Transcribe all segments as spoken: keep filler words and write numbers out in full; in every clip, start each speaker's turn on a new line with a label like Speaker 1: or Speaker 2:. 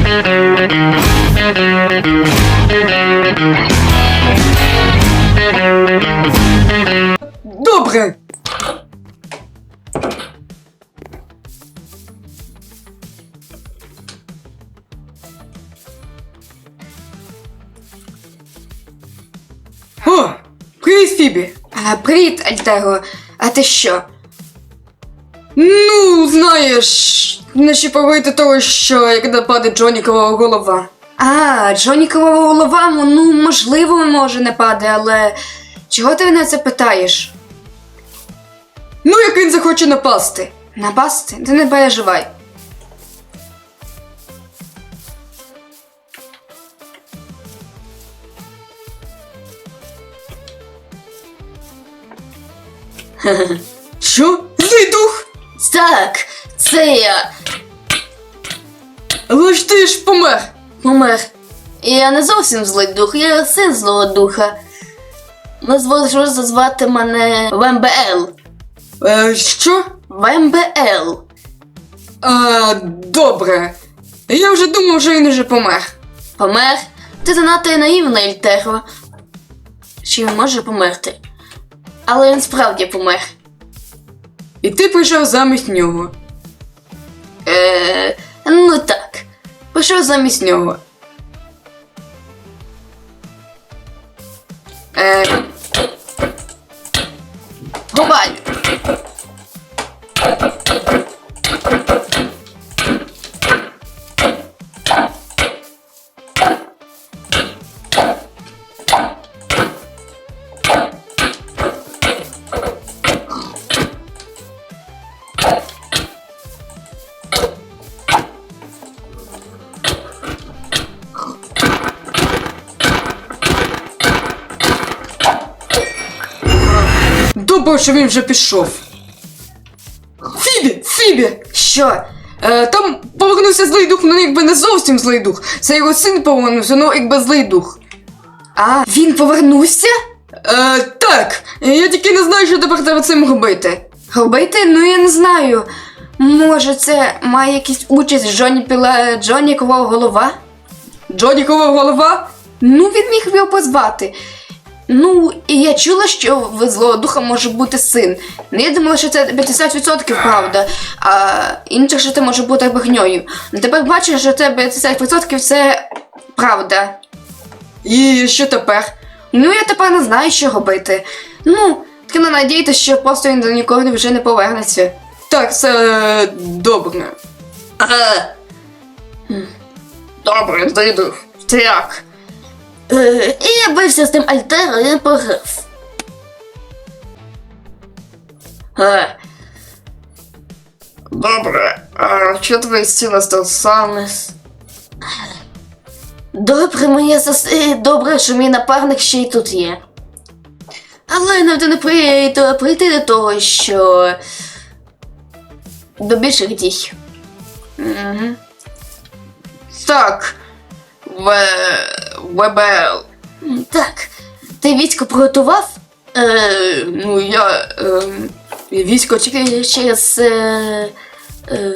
Speaker 1: Добре. О, привіт, Фібі.
Speaker 2: А, привіт, Альтего. А ти що?
Speaker 1: Ну, знаєш, не ще повити того, що як нападе Джонікова голова.
Speaker 2: А, Джонікова голова, ну, можливо, може не паде, але чого ти на це питаєш?
Speaker 1: Ну, як він захоче напасти.
Speaker 2: Напасти? Ти не переживай.
Speaker 1: Що? Злий дух?
Speaker 2: Так, це я.
Speaker 1: Але ж ти ж помер.
Speaker 2: Помер. Я не зовсім злий дух, я син злого духа. Ви зможете зазвати мене ВМБЛ.
Speaker 1: Е, що?
Speaker 2: ВМБЛ.
Speaker 1: А, добре. Я вже думав, що він уже помер.
Speaker 2: Помер? Ти занадто наївна, Альтего. Чи він може померти? Але він справді помер.
Speaker 1: І ти прийшов замість нього.
Speaker 2: Е, ну так.
Speaker 1: Прийшов замість нього.
Speaker 2: Е, Рубай!
Speaker 1: Добре, що він вже пішов. Фібі! Фібі!
Speaker 2: Що?
Speaker 1: Е, там повернувся злий дух, ну якби не зовсім злий дух. Це його син повернувся, ну якби злий дух.
Speaker 2: А, він повернувся?
Speaker 1: Е, так, я тільки не знаю, що тепер треба цим робити.
Speaker 2: Робити? Ну я не знаю. Може це має якісь участь Джоні Піла... Джонікова голова?
Speaker 1: Джонікова голова?
Speaker 2: Ну, він міг його позвати. Ну, і я чула, що в злого духа може бути син. Ну, я думала, що це п'ятдесят відсотків правда, а інше, що це може бути брехньою. Ну, тепер бачу, що це п'ятдесят відсотків це правда.
Speaker 1: І що тепер?
Speaker 2: Ну, я тепер не знаю, що робити. Ну, треба надіятися, що просто він до ніколи вже не повернеться.
Speaker 1: Так, це добре.
Speaker 2: Ага.
Speaker 1: Добре, злий дух. Це як?
Speaker 2: Е, і я бився з тим Альтеро, і він програв. Е,
Speaker 1: Добре, а що твої стіни стосовно?
Speaker 2: Добре, моє сос... е, добре, що мій напарник ще й тут є. Але нам не прийти, прийти до того, що до більших дій. Угу.
Speaker 1: Так, В... ВБЛ.
Speaker 2: Так, ти військо приготував?
Speaker 1: Е, ну я... Е, військо тільки...
Speaker 2: Через... Е, е,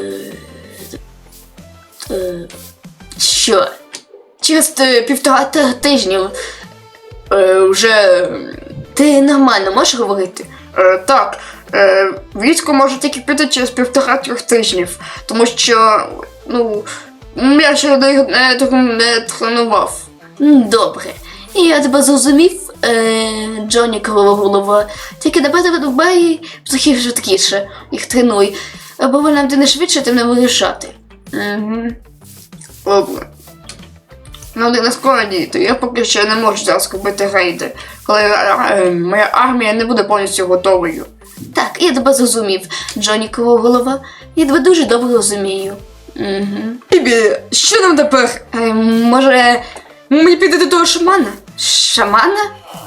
Speaker 2: е, що? Через е, півтора ти- тижнів.
Speaker 1: Е, вже...
Speaker 2: Ти нормально можеш говорити?
Speaker 1: Е, так, е, військо може тільки піти через півтора-трьох тижнів, тому що, ну, я ще не, не, не тренував.
Speaker 2: М, Добре. І я тебе зрозумів, е, Джоні Крова голова. Тільки давай видобай трохи швидкіше, їх тренуй. Бо нам ти не швидше, тим не вирішати.
Speaker 1: Угу. Добре. Ну, не скоро діяти, я поки що не можу зараз робити рейди, коли е, моя армія не буде повністю готовою.
Speaker 2: Так, я тебе зрозумів, Джоні Крова голова. Я тебе дуже добре розумію. Угу.
Speaker 1: Бібі, що нам тепер?
Speaker 2: Е, може,
Speaker 1: Мені піти до того шамана?
Speaker 2: шамана?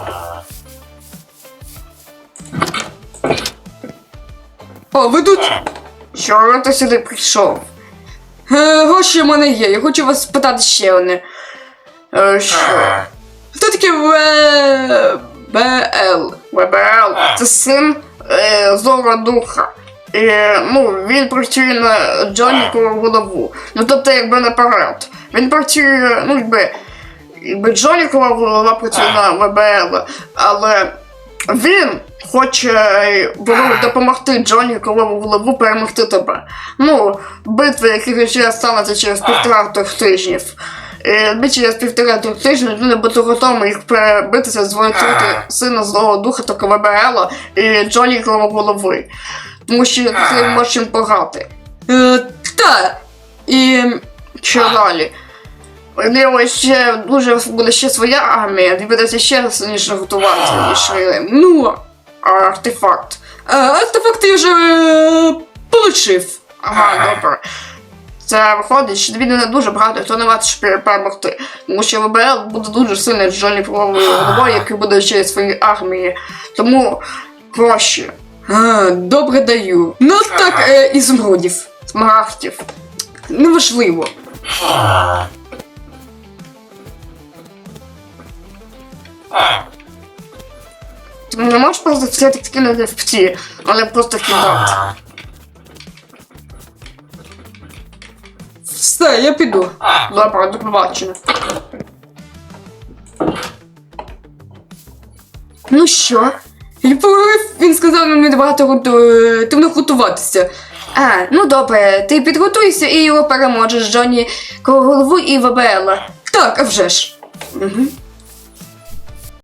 Speaker 1: О, ви тут? Що ти сюди прийшов? Е, гроші в мене є, я хочу вас спитати ще одне. Е, що? Хто таке ВБЛ? ВБЛ? Це син е, злого духа. І, ну, він працює на Джонікову голову. Ну, тобто, якби наперед. Він працює, ну, якби, якби Джонікова голова працює на В Б Л, але він хоче допомогти Джонікову голову перемогти тебе. Ну, битви, які ще стануться через півтора трьох тижнів. І ми через півтора трьох тижнів люди будуть готові їх перебитися, зволити сина злого духа та В Б Л і Джонікову голови. Тому що ти можеш їм пограти. Е, та. І що далі? У нього ще дуже буде ще своя армія, доведеться ще сильніше готуватися, ніж Рилем. Ну, а артефакт. А, артефакт я вже е, получив. Ага, добре. Це виходить, що тобі не дуже багато хто не варто, щоб перемогти. Тому що В Б Л буде дуже сильний Джоніковою головою, який буде ще своїй армії. Тому проще. А, добре даю. Ну так, е, ізумрудів, смарагдів. Неважливо. Ти не можеш просто все так кинути в ці, але просто кидати. Все, я піду. Добре, до побачення. Ну що? Я поговорив, він сказав мені багато готу... готуватися. А, ну добре, ти підготуйся і його переможеш, Джоні, голову і В Б Л. Так, а вже ж. Угу.